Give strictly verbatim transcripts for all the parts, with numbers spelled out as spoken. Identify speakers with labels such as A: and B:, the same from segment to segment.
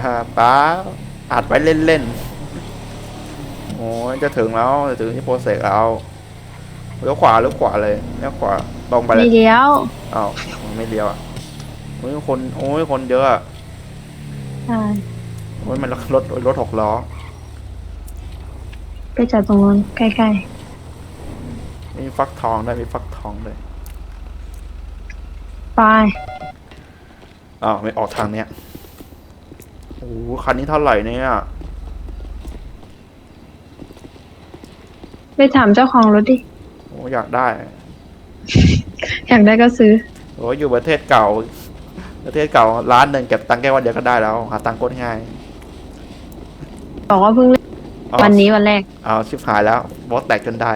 A: ป้าอัดไว้เล่นๆโอ้ยจะถึงแล้วจะถึงที่โปรเซสแล้วเลี้ยวขวาเลี้ยวขวาเลยเลี้ยวขวาตรงไปเล
B: ไม่
A: ย
B: เลี้ยว
A: อ้าวไม่เลี้ยวอ่ะโอ้ยคนโอ้ยคนเยอะอ่ะ
B: ใช่
A: โอ้ยมันรถรถหกล้อ
B: ไปจอดตรงนู้นใกล้
A: มีฟักทองด้วยมีฟักทองด้วย
B: ๆไป
A: อ้าวไม่ออกทางเนี้ยโอ้คันนี้เท่าไหร่เนี่ย
B: ไปถามเจ้าของรถดิ
A: โอ้อยากได้
B: อยากได้ก็ซื้อ
A: โอ้ยอยู่ประเทศเก่าประเทศเก่าร้านหนึ่งเก็บตังค์แค่วันเดียวก็ได้แล้วหาตังค์โคตรง่าย
B: บอกว่าเพิ่งเล่นวันนี้วันแรก
A: เอาชิบหายแล้วบอสแตกจนได้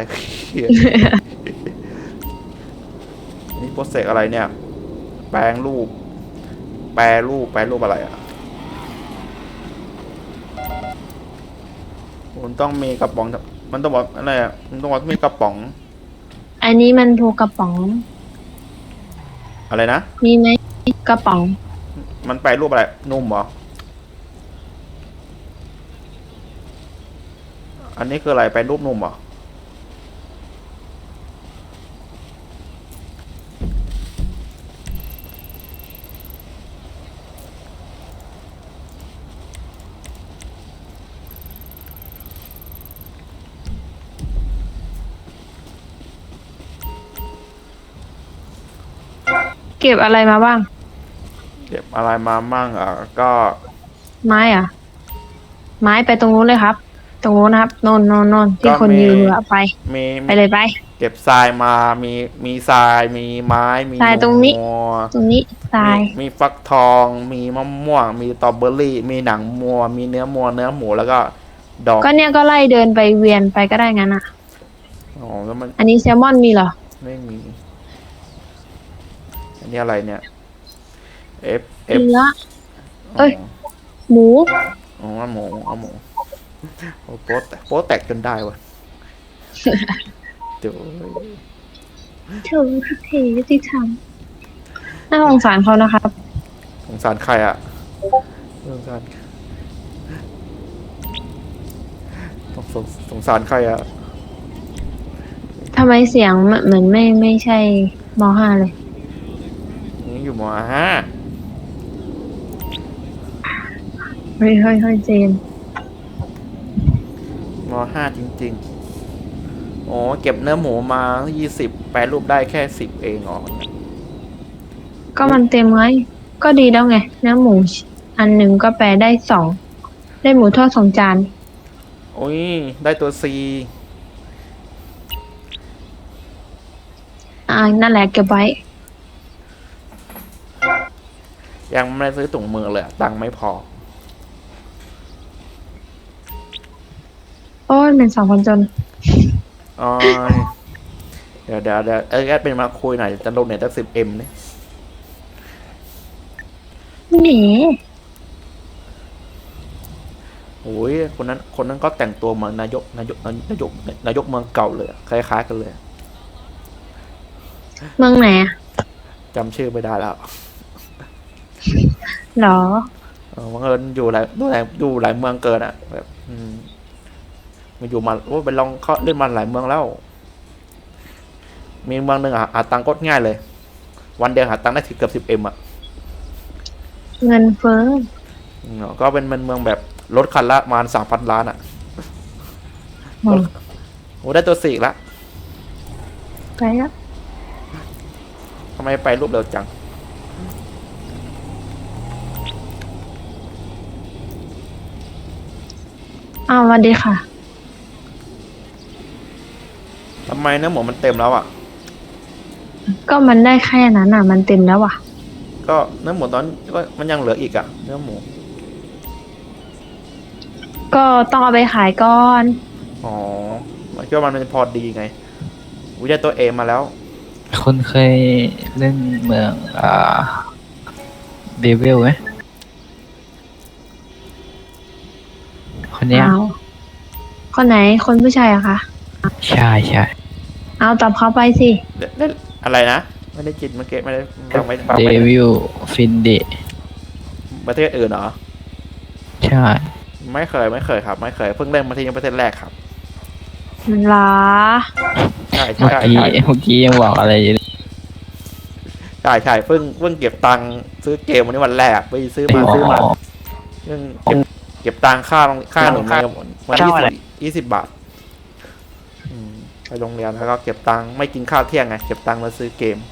A: นี่โปรเซสอะไรเนี่ย แปลงรูป แปลรูปแปลรูปอะไรอ่ะมันต้องมีกระป๋องมันต้องบอกอะไรอ่ะมันต้องบอกมีกระป๋อง
B: อันนี้มันโทรกระป๋อง
A: อะไรนะ
B: มีไหมกระป๋อง
A: มันแปลรูปอะไร นุ่มเหรอ อันนี้คืออะไรแปลรูปนุ่มเหรอ
B: เก็บอะไรมาบ้าง
A: เก็บอะไรมามั่งอ่ะก็
B: ไม้อะไม้ไปตรงนู้นเลยครับ ตรงนู้นนะครับโนนโนนโนนที่
A: ก็
B: คน
A: มี
B: ยืนอะไป
A: มี
B: ไปเลยไป
A: เก็บทรายมา มี มีทราย มีไม้ มี
B: ทรายตรงนี้
A: มัว
B: ตรงนี้ทราย
A: มีมีฟักทอง มีมะม่วง มีสตรอเบอรี่ มีหนังมัว มีเนื้อมัว เนื้อหมู แล้วก็ดอก
B: ก็เนี่ยก็ไล่เดินไปเวียนไปก็ได้งั้นอะ
A: อ๋อแล้วมัน
B: อันนี้แซลมอนมีเหรอ
A: ไม่มี อันนี้อะไรเนี่ย F F
B: เนื้อ เอ้ย หมู
A: อ๋อเอาหมูเอาหมูโอ้โป๊ะแตกโป๊ะแตกจนได้วะเดี๋ยว
B: เธอทุกทียุติธรรมน่าสงสารเขานะครับ
A: สงสารใครอ่ะสงสารสงสงสงสารใครอ่ะ
B: ทำไมเสียงเหมือนไม่ไม่ใช่มห้าเลย
A: นี่อยู่มห้า
B: เฮ้ยเฮ้ยเฮ้ยเจน
A: มห้าจริงๆโอ้เก็บเนื้อหมูมายี่สิบแปรรูปได้แค่สิบเองอ๋อ
B: ก็มันเต็มไง ก็ดีแล้วไงเนื้อหมูอันหนึ่งก็แปลได้สอง ได้หมูทอดสองจาน
A: โอ้ยได้ตัวซี
B: อ่า นั่นแหละเก็บไว้
A: ยังไม่ได้ซื้อถุงมือเลยตังค์ไม่พอ
B: โอ้ยเป็นสองคนจน
A: อ๋อเดี๋ยวเดี๋ยวเดี๋ยวเออแอดเป็นมาคุยหน่อยจะลงเน็ตตั้งสิบเอ็มเนี่ย
B: แหม
A: โอ้ยคนนั้นคนนั้นก็แต่งตัวเหมือนนายกนายกนายกนายกเมืองเก่าเลยคล้ายๆกันเลย
B: เมืองไหนอะ
A: จำชื่อไม่ได้แล้ว
B: หรอ
A: เออบังเอิญอยู่หลายดูหลายดูหลายเมืองเกินอ่ะแบบอืมมาอยู่มาโอ้ไปลองเขาเล่นมาหลายเมืองแล้ว มีเมืองหนึ่งอ่ะหาตังค์ก็ง่ายเลย วันเดียวหาตังค์ได้ถึงเกือบสิบเอ็มอ่ะ
B: เงินเฟ้อ
A: อืมก็เป็นเมืองแบบรถคันละประมาณสามพันล้านอ่ะ
B: อืม
A: โอ้ได้ตัวสี่ละ
B: ไปแล้ว
A: ทำไมไปรูปเร็วจัง
B: อ้าวสวัสดีค่ะ
A: ทำไมเนื้อหมูมันเต็มแล้วอ่ะ
B: ก็มันได้แค่นั้นอ่ะ มันเต็มแล้วอ่ะ
A: ก็เนื้อหมูตอนก็มันยังเหลืออีกอ่ะ เนื้อหมู
B: ก็ต้องเอาไปขายก่อน
A: อ๋อมันก็มันเป็นพอดีไงวิจัยตัวเอมาแล้ว
C: คุณเคยเล่นเมืองอ่าเดวิลไหมคนเนี้ย
B: เอาคนไหน คนผู้ชายอะคะ
C: ใช่ใช่
B: เอาตอบเขาไปสิ
A: เล่นอะไรนะ ไม่ได้จิตเมื่อกี้ไม่ได้ฟังไม่ฟัง
C: เด
A: ไม่ได้
C: วิลฟินเด
A: ประเทศอื่นเหรอ
C: ใช่
A: ไม่เคยไม่เคยครับ ไม่เคยเพิ่งเล่นมาที่ยังประเทศแรกครับ
B: มันลา
A: ใช่ใช่
C: เมื่อ
A: ใช่
C: กี้
A: ใช่
C: เมื่อกี้ยังบอกอะไรอยู่เลย
A: ใช่ใช่เพิ่งเพิ่งเก็บตังค์ซื้อเกมวันนี้วันแรกไปซื้อมาซื้อมาเพิ่งเก็บเก็บตังค่าค่าขนมในวันยี่สิบยี่สิบบาทอืมไปโรงเรียนแล้วก็เก็บตังค์ไม่กินข้าวเที่ยงไงเก็บตังค์มาซื้อเกม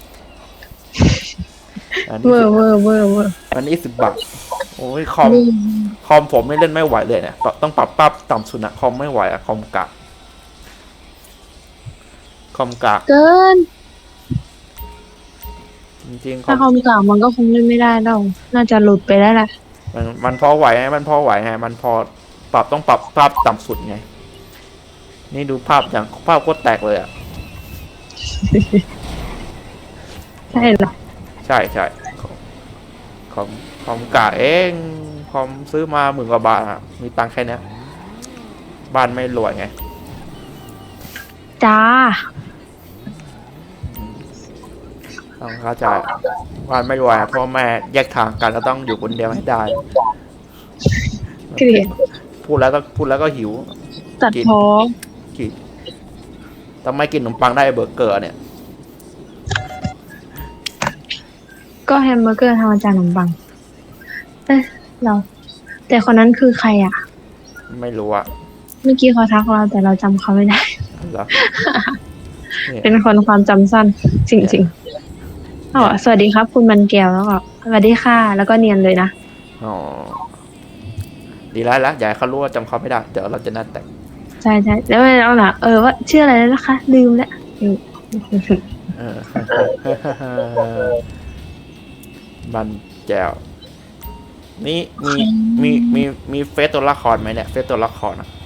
A: อัน
B: เว
A: นี้
B: อร์เวอร์เวอร์เวอร์
A: อันนี้สิบบาทโอ้ยคอมคอมผมไม่เล่นไม่ไหวเลยเนี่ยต้องปรับปรับต่ำสุดนะคอมไม่ไหวอะคอมกะคอมกะ
B: เกิน
A: จริงๆคอ
B: ถ้าม คอมเก่ามันก็คงเล่นไม่ได้แล้วน่าจะหลุดไปแล้วแหละ
A: มันมันพอไหวไงมันพอไหวไงมันพอปรับต้องปรับภาพต่ำสุดไงนี่ดูภาพอย่างภาพโคตรแตกเลยอ่ะ
B: ใช่เหรอ
A: ใช่ใช่คอมคอมกะเองคอมซื้อมาหมื่นกว่าบาทอะมีตังค์แค่เนี้ยบ้านไม่รวยไง
B: จ้า
A: ต้องเข้าใจบ้านไม่รวยอะพ่อแม่แยกทางกันแล้วต้องอยู่คนเดียวให้ได้
B: เกลียด
A: พูดแล้วต้องพูดแล้วก็หิว
B: ตัดพ้อ
A: กินทำไมกินขนมปังได้เบอร์เกอร์เนี่ย
B: ก็แฮมเบอร์เกอร์ทำมาจากขนมปัง เอ๊ะเรา แต่คนนั้นคือใครอ่ะ
A: ไม่รู้อะ
B: เมื่อกี้เขาทักเราแต่เราจำเขาไม่ได้
A: เหรอเนี่ย
B: เป็นคนความจำสั้น จริงๆอ๋อสวัสดีครับ คุณมันแก้วแล้วก็สวัสดีค่ะ แล้วก็เนียนเลยนะ
A: อ๋อดีแล้วละอย่าให้เขารู้ว่าจำเขาไม่ได้ เดี๋ยวเราจะนัดแต่ง
B: ใช่ใช่แล้วเอาล่ะเออว่าชื่ออะไรแล้วนะคะ ลืมแล้วอืม
A: เออ บันแจวนี่มีมีมีมีเฟซตัวละครไหมเนี่ยเฟซตัวละครอะ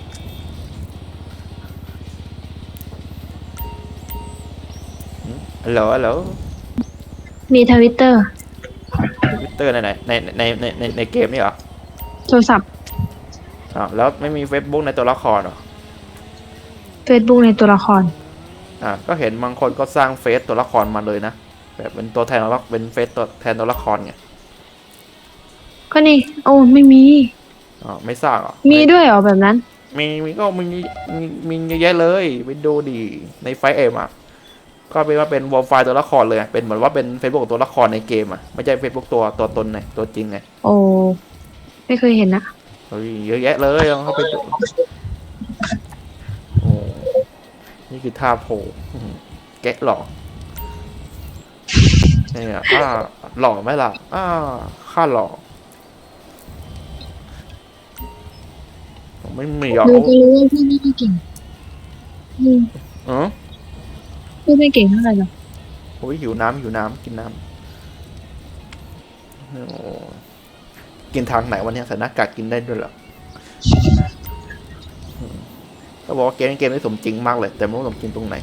A: ฮัลโหลฮัลโหล
B: มีทวิตเตอร์
A: ทวิตเตอร์ในไหนในในในในในเกมนี่เหรอ
B: โทรศัพท์
A: อ๋อแล้วไม่มีเฟซบุ๊กในตัวละครเหรอ
B: เฟซบุ๊กในตัวละคร
A: อ่าก็เห็นบางคนก็สร้างเฟซตัวละครมาเลยนะแบบเป็นตัวแทนตัวละเป็นเฟซตัวแทนตัวละครไง
B: ก็นี่ โอ้ไม่มี
A: อ๋อไม่สร้างเหรอ
B: มีด้วยเหรอแบบนั้น
A: มีมีก็มีมีมีเยอะแยะเลยไปดูดีในไฟเอ็มอ่ะก็เป็นว่าเป็นวอลไฟล์ตัวละครเลยอะเป็นเหมือนว่าเป็นเฟซบุ๊กตัวละครในเกมอ่ะไม่ใช่เฟซบุ๊กตัวตัวตนไงตัวจริงไง
B: โอ้ไม่เคยเห็นนะ
A: เฮ้ยเยอะแยะเลยลองเข้าไปดูโอ้นี่คือท่าโผล่อื้อหือแกะหล่อเนี่ยอ่าหล่อไหมล่ะอ่าข้าหล่อไม่มีหรอก
B: ดูก็รู้ว่าพี่ไม่ได้เก่งอืม
A: เออ
B: พี่ไม่เก่งเท่าไหร่หรอก
A: โอ้ยหิวน้ำหิวน้ำกินน้ำโอ้กินทางไหนวันนี้ใส่หน้ากากกินได้ด้วยเหรออืมเขาบอกว่าเกมนี้เกมนี้สมจริงมากเลย แต่ไม่รู้สมจริงตรงไหน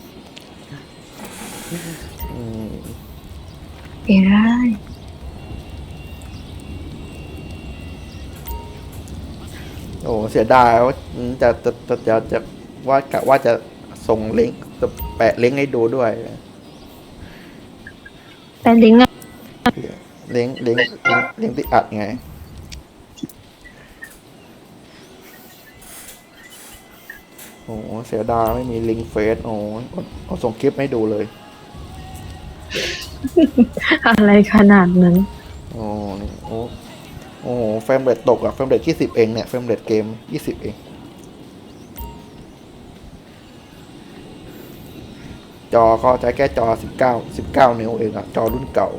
A: อืม
B: เก่งได้
A: โอ้เสียดายว่าจะจะจะจะจะว่ากะว่าจะส่งลิงก์จะแปะลิงก์ให้ดูด้วย
B: แต่ลิงก์อะ
A: ลิงก์ลิงก์ลิงก์ลิงก์ที่อัดไง โอ้เสียดายไม่มีลิงก์เฟซโอ้เอาส่งคลิปให้ดูเลย
B: อะไรขนาดนั้น
A: โอ้นี่โอ้โอ้เฟรมเรทตกอะเฟรมเรทยี่สิบเองเนี่ยเฟรมเรทเกมยี่สิบเองจอก็ใช้แค่จอสิบเก้าสิบเก้านิ้วเองอะจอรุ่นเก่า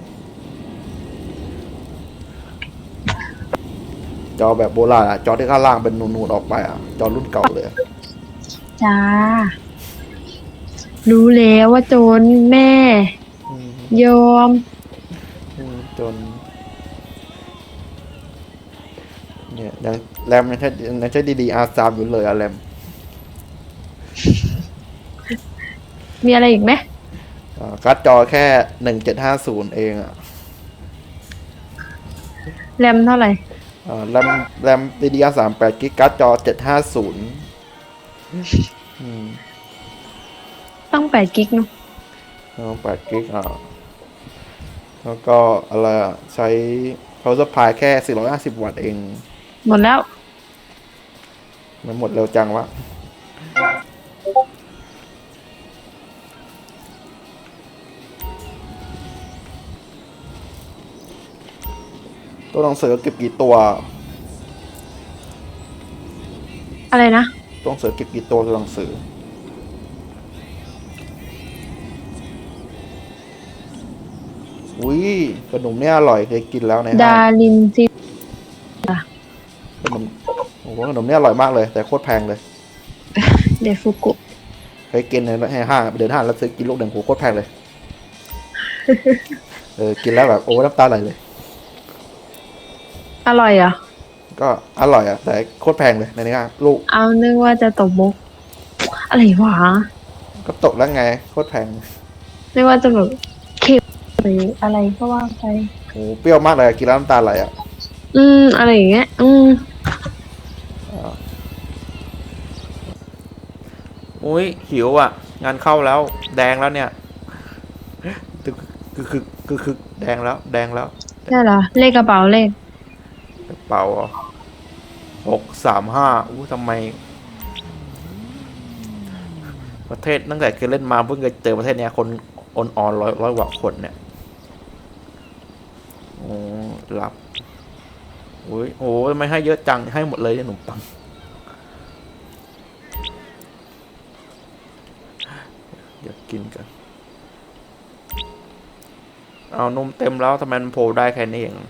A: จอแบบโบราณอะจอที่ข้างล่างเป็นนูนๆออกไปอะจอรุ่นเก่าเลยอะ
B: จ้า รู้แล้วว่าโจรแม่
A: อืม
B: ยอม
A: อืมจน เนี่ยยังแรมยังใช้ยังใช้ดีๆ อาร์ สาม อยู่เลยอะแรม
B: มีอะไรอีกไหม
A: อ่าการ์ดจอแค่หนึ่งเจ็ดห้าศูนย์เองอะ
B: แรมเท่าไหร่
A: อ่าแรมแรม ดี ดี อาร์ สามแปดกิกการ์ดจอเจ็ดห้าศูนย์อืม
B: ต้องแปดกิกเนอะ
A: แล้วแปดกิกอ่ะแล้วก็อะไรอะใช้ power supply แค่สี่ร้อยห้าสิบวัตต์เอง
B: หมดแล้ว
A: มันหมดเร็วจังวะตัวหนังสือเก็บกี่ตัว
B: อะไรนะ
A: ตัวหนังสือเก็บกี่ตัวตัวหนังสืออุ้ยขนมเนี่ยอร่อยเคยกินแล้วใน
B: ดา
A: ห้าง
B: รินซิ
A: ขนมโอ้โหขนมเนี่ยอร่อยมากเลยแต่โคตรแพงเลย
B: เดฟุกุ
A: เคยกินในห้างไปเดินห้างแล้วซื้อกินลูกหนึ่งโหโคตรแพงเลย เออกินแล้วแบบโอ้น้ำตาไหลเลย
B: อร่อยเหรอ
A: ก็อร่อยอ่ะแต่โคตรแพงเลยในนี้ลูก
B: เอานึกว่าจะตบมุก อะไรวะ
A: ก็ตกแล้วไงโคตรแพง
B: นึกว่าจะแบบเค็มหรืออะไรก็ว่าไป
A: โอ้เปรี้ยวมากเลยกินแล้วน้ำตาไหลอ่ะ
B: อืม อะไรอย่างเงี้ย อืม
A: อุ้ยหิวอ่ะ งานเข้าแล้ว แดงแล้วเนี่ยคือคือคือคือคือแดงแล้ว แดงแล้ว
B: ใช่เหรอ เลขกระเป๋าเลข
A: กระเป๋าหกสามห้าอู้ทำไม ประเทศตั้งแต่เคยเล่นมาเพิ่งเคยเจอประเทศเนี้ยคนออนออนร้อยร้อยกว่าคนเนี่ยโอ้รับโอ้ยโอ้ยไม่ให้เยอะจังให้หมดเลยขนมปังเดี๋ยวกินกันเอานมเต็มแล้วทำไมมันโผล่ได้แค่นี้เอง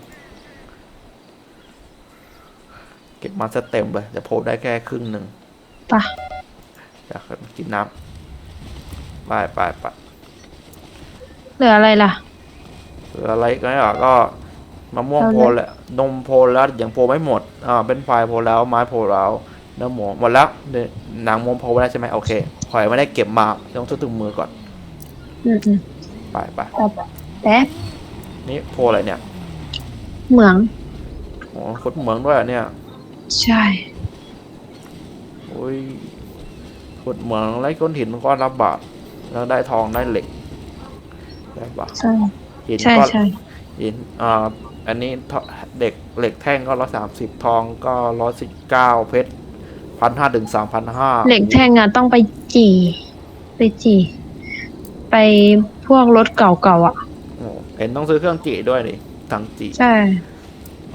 A: เก็บมาซะเต็มเลยแต่โผล่ได้แค่ครึ่งหนึ่ง
B: ป่ะ
A: อยากกินน้ำไปไปไป
B: เหลืออะไรล่ะ
A: หรืออะไรก็อ่ะก็มะม่วง
B: เอาเลย
A: โพลแหละนมโพลแล้วอย่างโพลไม่หมดอ่าเป็นไฟโพลแล้วไม้โพลแล้วเนื้อหมูหมดแล้วเนี่ยหนังมวงโพลไว้แล้วใช่ไหมโอเคหอยไม่ได้เก็บมาต้องทุบมือก่อน
B: อืมอืม
A: ไปไป
B: แป๊บแป๊บ
A: นี่โพลอะไรเนี่ย
B: เหมือง
A: โอ้ขุดเหมืองด้วยอ่ะเนี่ย
B: ใช่
A: โอ้ยขุดเหมืองไล่ก้อนหินมันก็รับบาทแล้วได้ทองได้เหล็กได้บาท
B: ใช่
A: หิน
B: ใช่
A: ก็
B: ใช่
A: หินอ่าอันนี้เด็กเหล็กแท่งก็ร้อยสามสิบทองก็ร้อยสิบเก้าเพชรพันห้าถึงสามพันห้า
B: เหล็กแท่งอ่ะต้องไปจี่ ไปจี่ ไปพวกรถเก่าๆอ่ะ
A: โอ้เห็นต้องซื้อเครื่องจีด้วยดิถังจี
B: ใช่
A: โอ้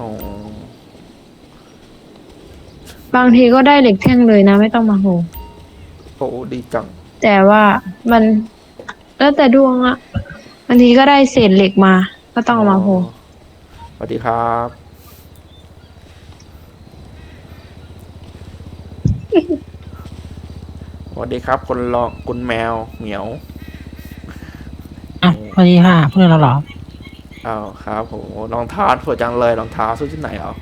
B: บางทีก็ได้เหล็กแท่งเลยนะ ไม่ต้องมาโห
A: โหดีจัง
B: แต่ว่ามัน แล้วแต่ดวงอะบางทีก็ได้เศษเหล็กมา ก็ต้องเอามาโห
A: สวัสดีครับสวัสดีครับคนรองคุณแมวเหมียว
C: อ่ะสวัสดีค่ะเพื่อนเราเหรอ
A: อ้าวครับโหรองเท้าสวยจังเลยรองเท้าซื้อที่ไหนอ่ะ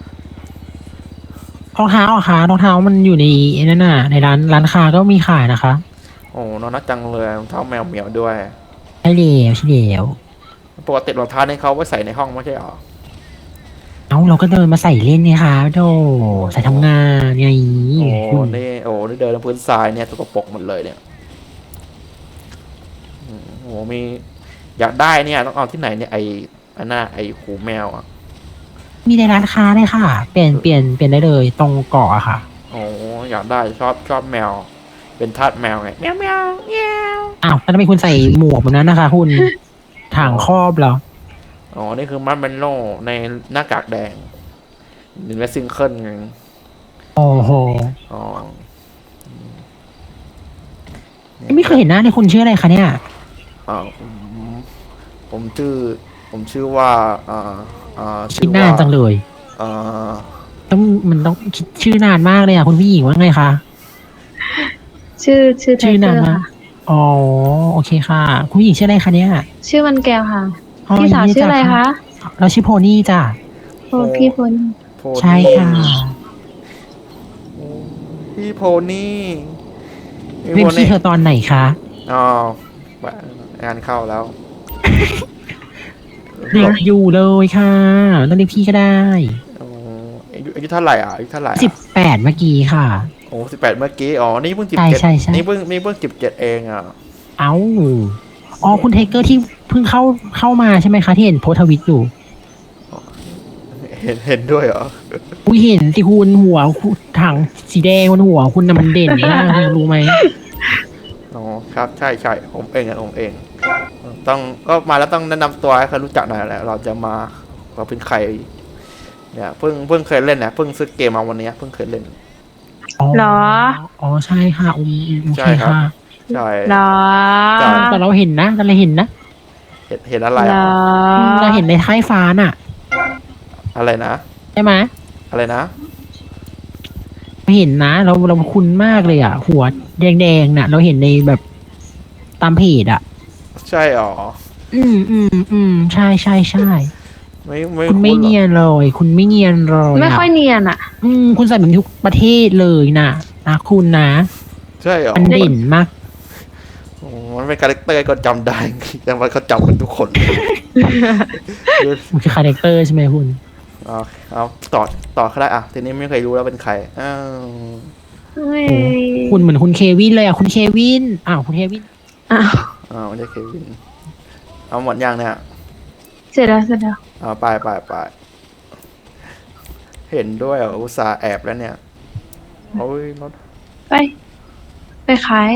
C: รองเท้าเหรอคะรองเท้ามันอยู่ในไอ้นั่นน่ะในร้านร้านค้าก็มีขายนะคะ
A: โอ้น้องนักจังเลยรองเท้าแมวเหมียวด้วย
C: ใช่เดียวใช่เดียว
A: ปกติรองเท้านี่เขาไว้ใส่ในห้องไม่ใช่หรอ
C: เอ้าเราก็เดินมาใส่เล่นไงคะโธ่ใส่ทำงานไง
A: โอ้
C: คุณ
A: นี่โอ้นี่เดินบนพื้นทรายเนี่ยสกปรกหมดเลยเนี่ยอืมโอ้มีอยากได้เนี่ยต้องเอาที่ไหนเนี่ยไออันน่าไอหูแมวอ่ะ
C: มีในร้านค้าเลยค่ะ เปลี่ยนเปลี่ยนเปลี่ยนได้เลยตรงเกาะอะค่ะ
A: โอ้อยากได้ชอบชอบแมว เป็นทาสแมวไงแมวแมวแมว
C: อ้าวแล้วทำไมคุณใส่หมวกแบบนั้นนะคะคุณถังครอบเหรอ
A: อ๋อนี่คือมัดเมนโลในหน้ากากแดงหนึ่งและซิงเกิลไง
C: โอ้โห
A: อ๋อ
C: ไม่เคยเห็นหน้าในคุณชื่ออะไรคะเนี่ย
A: อ่าผมผมชื่อ ผมชื่อว่าอ่าอ่า
C: คิดนานจังเลย
A: อ่า
C: ต้องมันต้องคิดชื่อนานมากเลยอะคุณผู้หญิงว่าไงคะ
B: ชื่อชื่อไท
C: ชื่อ
B: เก
C: นา
B: อน ร์
C: มา
B: ค่ะ
C: กอ๋อโอเคค่ะ คุณผู้หญิงชื่ออะไรคะเนี่ย
B: ชื่อมันแก้วค่ะ
C: อ๋อ
B: พี่สาว
C: ยินดี
B: ชื่ออะไร
C: จ้
B: คะ
C: เราชื่อโพนี่จ้ะ
B: โอ้พี่พล
A: โพ
C: ใช่ค่ะ
A: พี่โพนี่พี่
C: เรีย
A: โพ
C: กพี่
A: นี่
C: เธอตอนไหนคะ
A: อ๋องานเข้าแล้ว
C: เรียกอยู่เลยค่ะต้องเรียกพี่ก็ได้
A: อ๋ออายุอายุเท่าไหร่อ่ะอายุเท่าไหร่
C: สิบแปดเมื่อกี้ค่ะ
A: โอ้สิบแปดเมื่อกี้อ๋อนี่เพิ่งสิบ
C: ใช่
A: เจ็ด
C: ใช่ใช่
A: นี่เพิ่งนี่เพิ่งสิบเจ็ดเองอ่ะ
C: เอ้าอ๋อคุณเทเกอร์ที่เพิ่งเข้าเข้ามาใช่ไหมคะที่เห็นโพสต์ทวิตอยู่
A: เห็เห็นเห็นด้วยเหรอ
D: กูเห็นสิคุณหัวคุณถังสีแดงบนหัวคุณน่ะมันเด่นมากคุณรู้ไหม
A: อ๋อครับใช่ใช่ผมเองอะผมเอง ต้องก็มาแล้วต้องแนะนำตัวให้เขารู้จักหน่อยแหละเราจะมาเราเป็นใครเนี่ยเพิ่งเพิ่งเคยเล่นนะเพิ่งซื้อเกมมาวันนี้เพิ่งเคยเล่น
D: อ๋อ
B: เหรอ
D: อ๋อใช่ค่ะอืมอืมโอ
A: ใช่
D: เค
A: ครับ
D: ค่ะ
A: ใช่
B: เหรอ
A: ใช่
D: แต่เราเห็นนะแต่เราเห็นนะ
A: เห็นเห็นอะไร
B: เหร
A: อะ
B: อ
D: เราเห็นในท้ายฟ้าน่ะ
A: อะไรนะ
D: ใช่ไหม
A: อะไรนะ
D: เห็นนะ เราเราคุ้นมากเลยอ่ะ หัวแดงๆน่ะ เราเห็นในแบบตามเพจอ่ะ
A: ใช่หรอ
D: อืมอืมอืมใช่ใช่ใช่
A: ไม่ไม่
D: คุณไม่
A: หรอ
D: เนียนเลย คุณไม่เนียนเลย
B: ไม่ค่อยเนียนอ่ะ
D: อืมคุณใส่เหมือนทุกประเทศเลยนะนะคุณนะ
A: ใช่หรอ
D: มันเด่นมาก
A: โอ้มันเป็นคาแรคเตอร์ก็จำได้ แต่ว่าเขาจำกันทุกคน
D: มันคือคาแรคเตอร์ใช่ไหมคุณ
A: เอาเอาต่อต่อก็ได้อ่ะทีนี้ไม่เคยรู้แล้วเป็นใครอ้าว
B: เฮ้ย
D: คุณเหมือนคุณเควินเลยอ่ะคุณเควินอ้าวคุณเควิน
B: อ้าว
A: อ้าวไม่ใช่เควินเอาหมดยังเนี่ย
B: เสร็จแล้วเสร็จแล้ว
A: เอาไปไปไปเห็นด้วยเหรออุตส่าห์แอบแล้วเนี่ยโอ้ยรถ
B: ไป ไปขาย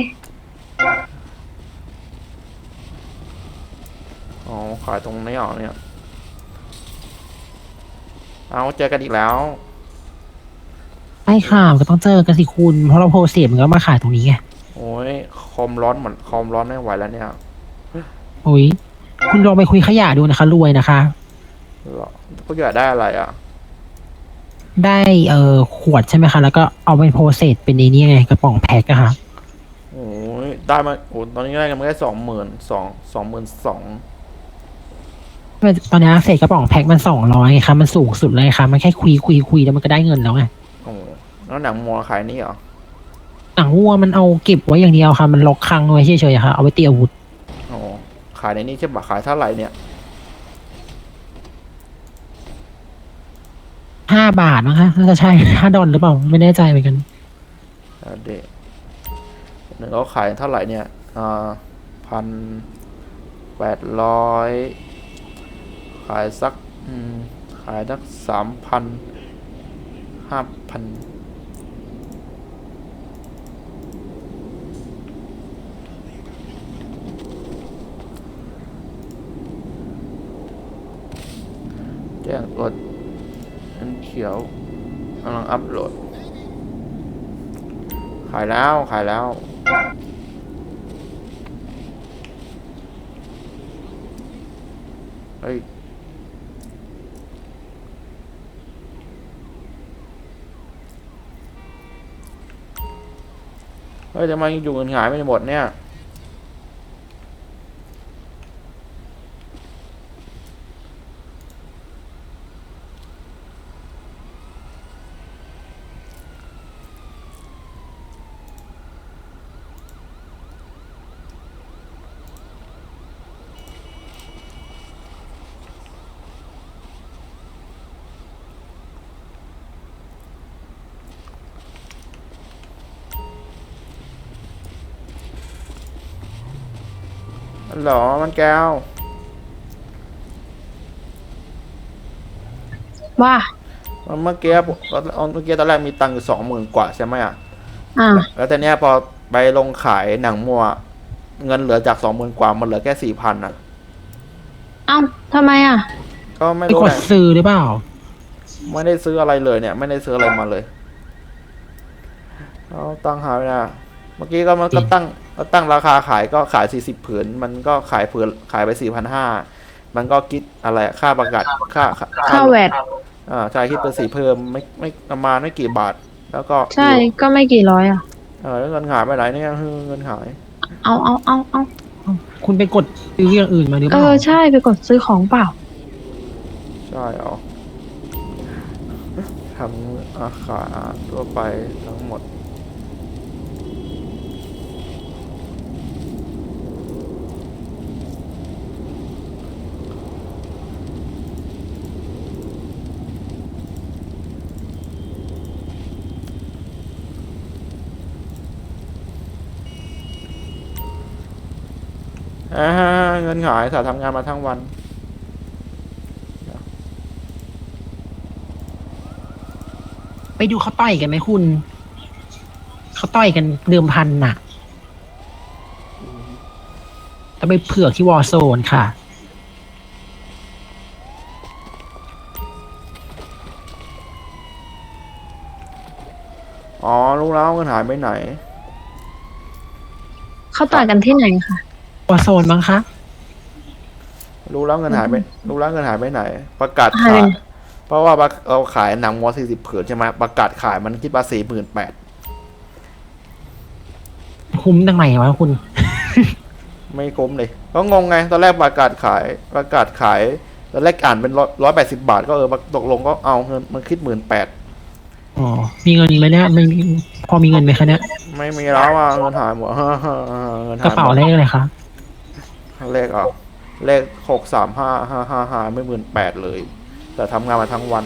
A: อ๋อขายตรงนี้เหรอเนี่ยเอาเจอกันอีกแล้ว
D: ใช่ค่ะก็ต้องเจอกันสิคุณ เพราะเราโพสเสียมันก็มาขายตรงนี้ไง
A: โอ้ยคอมร้อนเหมือนคอมร้อนไม่ไหวแล้วเนี่ย
D: โอ้ยคุณลองไปคุยขยะดูนะคะ รวยนะคะ
A: หรอก็อยากได้อะไรอ่ะ
D: ได้เอ่อขวดใช่ไหมคะ แล้วก็เอาไปโพสเซสเป็นในนี้ไงกระป๋องแพ็คอะค่ะ
A: โอ้ยได้มาโอ้ตอนนี้ได้กันมาแค่สองหมื่นสองสองหมื่นสอง
D: ตอนนี้เศษกระป๋องแพ็คมันสองร้อยไงคะมันสูงสุดเลยค่ะ มันแค่คุยคุยคุยแล้วมันก็ได้เงินแล้วไง
A: โอ้แล้วหนังมัวขายนี่เหรอ
D: หนังวัวมันเอาเก็บไว้อย่างเดียวค่ะ มันล็อกคลังไว้เฉยๆอะค่ะ เอาไว้ตีอาวุธ
A: โอ้ขายในนี้ใช่ปะขายเท่าไหร่เนี่ย
D: ห้าบาทมั้งคะน่าจะใช่ห้าดอลหรือเปล่า ไม่แน่ใจเหมือนกัน
A: เอาเด็กหนึ่งเขาขายเท่าไหร่เนี่ยอ่าพันแปดร้อยขายสักอืมขายสักสามพันห้าพันแจ้งกดอันเขียวกำลังอัพโหลด ขายแล้วขายแล้วเฮ้ยเฮ้ยทำไมอยู่เงินหายไม่หมดเนี่ยหรอมันแก้ว
B: ว่า
A: เมื่อกี้ผมเมื่อกี้ตอนแรกมีตังค์อยู่สองหมื่นกว่าใช่ไหมอ่ะ
B: อ่า
A: แล้วแต่เนี้ยพอไปลงขายหนังมัว เงินเหลือจากสองหมื่นกว่ามันเหลือแค่สี่พันอ่ะ
B: เอ้าทำไมอ่ะ
A: ก็ไม่
D: ไป
A: รู้
D: ก
A: แห
D: ด
A: ละ
D: ซื้อหรือเปล่า
A: ไม่ได้ซื้ออะไรเลยเนี่ย ไม่ได้ซื้ออะไรมาเลยเอาตั้งหาไปนะเมื่อกี้ก็มันก็ตั้งก็ตั้งราคาขายก็ขายสี่สิบผืน มันก็ขายผืนขายไปสี่พันห้ามันก็คิดอะไรค่าประกาศค่า
B: ค่าแวด
A: อ่าใช่คิดเป็นสี่เพิ่มไม่ไม่ประมาณไม่กี่บาท แล้วก็
B: ใช่ ก็ไม่กี่ร้อยอ่ะ
A: เออแล้วเงินหายไปไหนเนี่ยเงินหาย
B: เอาเอาเอาเอา
D: คุณไปกดซื้ออย่างอื่นมาหรือเป
B: เอ
D: ล่า
B: อ ใช่ ไปกดซื้อของเปล่า
A: ใช่เหรอทำอาคารทั่วไปทั้งหมด อ่าเงินหายสาทำงานมาทั้งวัน
D: ไปดูเขาต่อยกันไหมคุณ เขาต่อยกันเดิมพันน่ะต้องไปเผือกที่วอร์โซนค่ะ
A: อ๋อรู้แล้วเงินหายไปไหน
B: เขาต่อยกันที่ไหนคะ
D: วอร์โซนมั้งคะ
A: รู้แล้วเงินหายไปรู้แล้วเงินหายไปไหน ประกาศ
B: หาย
A: ขา
B: ไป
A: ย เพราะว่าเราขายหนังวัวสี่สิบผืนใช่ไหมประกาศขายมันคิดว่าสี่หมื่นแปด
D: คุ้มตั้งไหนวะคุณ
A: ไม่คุ้มเลยก็งงไง ตอนแรกประกาศขาย ประกาศขาย ตอนแรกอ่านเป็นร้อยแปดสิบาท ก็เออตกลงก็เอาเงินมันคิดหมื่นแปด
D: อ๋อ มีเงินไหมเนี่ยไม่มีพอมีเงินไหมคะเนี่ย
A: ไม่มีแล้วอ่ะเงินหายหมด เงิน
D: กระ
A: หายห
D: เป๋าม
A: ด
D: เลขอะไรคะ
A: เลขอ่ะเลขหกสามห้าห้าห้าห้าไม่หมื่นแปดเลย แต่ทำงานมาทั้งวัน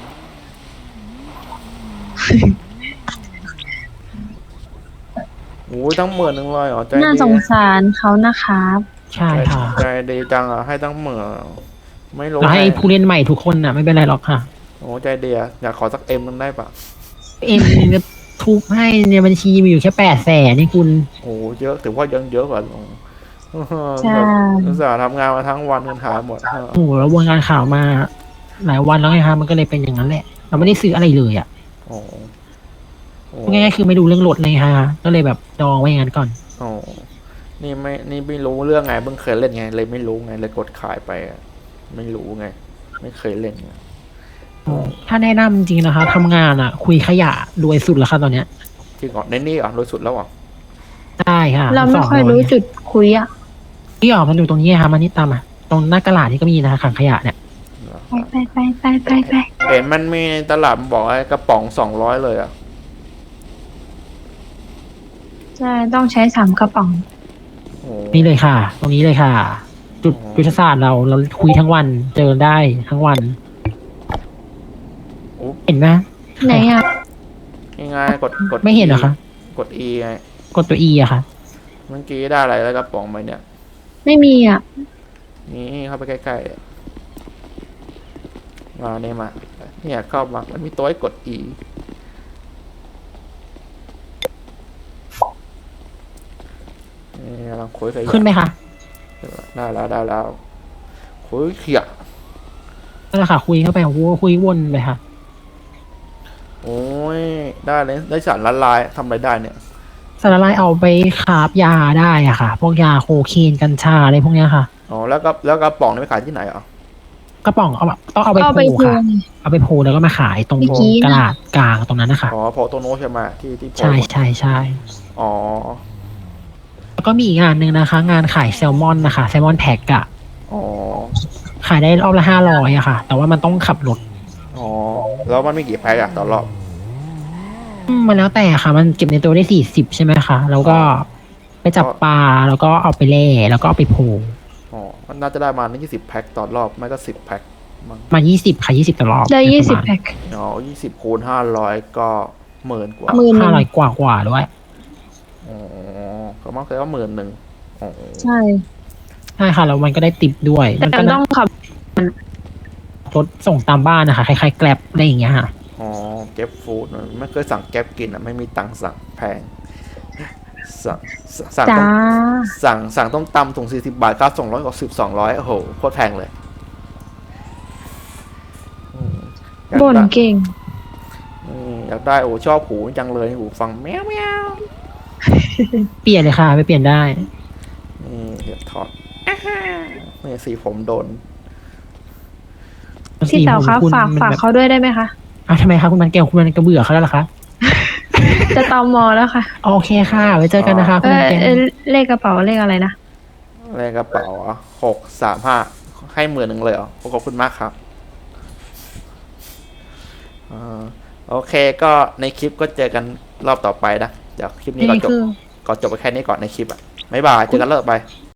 A: โอ้ยตั้งหมื่นหนึ่งเลยเหรอใจ
B: น่า
A: ดี
B: สงสารเขานะครับ
D: ใช่ค่ะ
A: ใจดีจังอ่ะให้ตั้งหมื่นไม่รู้
D: เราให้
A: ไง
D: ผู้เล่นใหม่ทุกคนน่ะไม่เป็นไรหรอกค่ะ
A: โอ้ใจดีอะอยากขอสักเอ็มนึงได้ปะ
D: เอ็มจะทุบให้ในบัญชีมีอยู่แค่แปดแสนนี่คุณ
A: โอ้เยอะถือว่ายังเยอะกว่าลง
B: ใช่
A: อุตส่าห์ทำงานมาทั้งวันเงินหายหมด
D: โอ้โหแล้ววงการข่าวมา หลายวันแล้วไงคะมันก็เลยเป็นอย่างนั้นแหละ เราไม่ได้ซื้ออะไรเลยอ่ะ
A: โอ้โอ้
D: ง่ายๆคือไม่ดูเรื่องรถเลยค่ะก็เลยแบบดองไว้อย่างนั้นก่อน
A: โอ้นี่ไม่นี่ไม่รู้เรื่องไงเพิ่งเคยเล่นไง เลยไม่รู้ไงเลยกดขายไปอะไม่รู้ไง ไม่เคยเล่นไง
D: ถ้าแนะนำจริงๆนะคะทำงานอ่ะ คุยขยะรวยสุดแล้วค่ะตอนเนี้ย
A: จริงเหรอในนี่เหรอ่ะโดยสุดแล้วเหรอ่ะ
D: ได้ค่ะ
B: เราไม่
D: สง
B: ค่อยรู้จุดคุยอะ
D: ที่ออกมันอยู่ตรงนี้ค่ะมันนี่ตามอ่ะตรงหน้ากระดาษที่ก็มีนะคะขังขยะเนี่ย
B: ไปไปไปไปไปไป
A: เห็นมันมีในตลาดมันบอกไอ้กระป๋องสองร้อยเลยอ่ะ
B: ใช่ต้องใช้สามกระป๋อง
A: โอ้
D: นี่เลยค่ะ ตรงนี้เลยค่ะ จุด
A: อ๋อ
D: ยุทธศาสตร์เราเราคุยทั้งวันเจอได้ทั้งวัน
A: โอ้
D: เห็นไหม
B: ไหนอะ
A: ง่ายๆกดกด
D: ไม่เห็นเหรอคะ
A: กด E ไง
D: กดตัว E อะค่ะ
A: เมื่อกี้ได้อะไรแล้วกระป๋องไปเนี่ย
B: ไม่มีอะ
A: นี่เข้าไปใกล้ๆมาเนี่ยมาเนี่ยเข้ามามันมีตัวให้กด E นี่กำลังคุยกับ
D: ขึ้นไหมคะ
A: ได้แล้วได้แล้วคุยเขีย
D: นั่นแหละค่ะ คุยเข้าไปโอ้โหคุยวนไปค่ะ
A: โอ้ยได้เลยได้สารละลายทำอะไรได้เนี่ย
D: สารละลายเอาไปคราบยาได้อะค่ะ พวกยาโคเคนกัญชาอะไรพวกเนี้ยค่ะ
A: อ๋อแล้วก็แล้วกระป๋องนี่ไปขายที่ไหนอ่ะ
D: กระป๋องเอาแบบต้องเอาไป
B: ก็ไป
D: โพ
B: พู
D: ค่ะ
B: น
D: เอาไปโพแล้วก็มาขายตรง
B: เมื่อกี้นะ
D: กระดาษกลางตรงนั้นนะคะ
A: อ๋อโพโตโนใช่ไหมที่ที่โพ
D: ใช่ใช่ใช่
A: อ๋อ
D: แล้วก็มีอีกงานหนึ่งนะคะ งานขายแซลมอนนะคะแซลมอนแพ็กอะ
A: อ๋อ
D: ขายได้รอบละห้าร้อยอะค่ะ แต่ว่ามันต้องขับรถ
A: อ๋อแล้วมันมีกี่แพ็คอะต่อรอบ
D: อืมมันแล้วแต่ค่ะ มันเก็บในตัวได้สี่สิบใช่ไหมคะ แล้วก็ไปจับปลา แล้วก็เอาไปเล่แล้วก็เอาไปโพ
A: อ๋อมันน่าจะได้มายี่สิบแพ็คต่อรอบไม่ก็สิบแพ็คมั้ง
D: มายี่สิบค่ะยี่สิบตลอด
B: ได้ยี่สิบ
D: ประมาณ
B: แพ็ค
A: อ๋อยี่สิบคูณห้าร้อยก็หมื่นกว่า
B: หมื่นห
D: ห้า
B: นึ่ง
D: ร้อยกว่ากว่าด้วย
A: อ๋อก็มักเลยว่าหมื่นหนึ่งอ๋อ
B: ใช่
D: ใช่ค่ะ แล้วมันก็ได้ติปด้วย
B: แต่
D: มันก็
B: ต้องขับ
D: รถส่งตามบ้านนะคะคล้ายๆแกลบอะไรอย่างเงี้ยค่ะ
A: อ๋อเก็บฟู้ดไม่เคยสั่งแก๊บกินอ่ะไม่มีตังค์สั่งแพงสั่งสั่ง
B: จ้า
A: ต้มสั่งสั่งต้มตำถุงสี่สิบบาทค่าส่งร้อยกว่าสิบสองร้อยโอ้โหโคตรแพงเลยอืมอยาก
B: บ่น
A: ได้
B: เก่ง
A: อืมอยากได้โอ้ชอบหูจังเลยหูฟังแมวแมว
D: เปลี่ยนเลยค่ะไปเปลี่ยนได้
A: นี่เดี๋ยวถอดอ่าฮะนี่สีผมโดน
B: พี่เต๋าคะ
D: สีผมณ
B: ฝาก
D: มัน
B: ฝาก
D: แบบ
B: เขาด้วยได้ไหมคะ
D: อ้าวทำไมคะคุณมันแก้วคุณมันกระเบื่อเขาแล้วเหรอคะ
B: จะตอมอแล้วค่ะ
D: โอเคค่ะ ไว้เจอกันนะคะ
B: เอ
D: คุณ
B: อ
D: มันแก้ว
B: เออเลขกระเป๋าเลขอะไรนะ
A: เลขกระเป๋าหกสามห้าให้หมื่นหนึ่งเลยเหรอขอบคุณมากครับอ่าโอเคก็ในคลิปก็เจอกันรอบต่อไปนะเดี๋ยวคลิปนี้ก็
D: นี่
A: จบ
D: คือ
A: ก็จบไปแค่นี้ก่อนในคลิปอ่ะบ๊ายบายเจอกันรอบต่อไป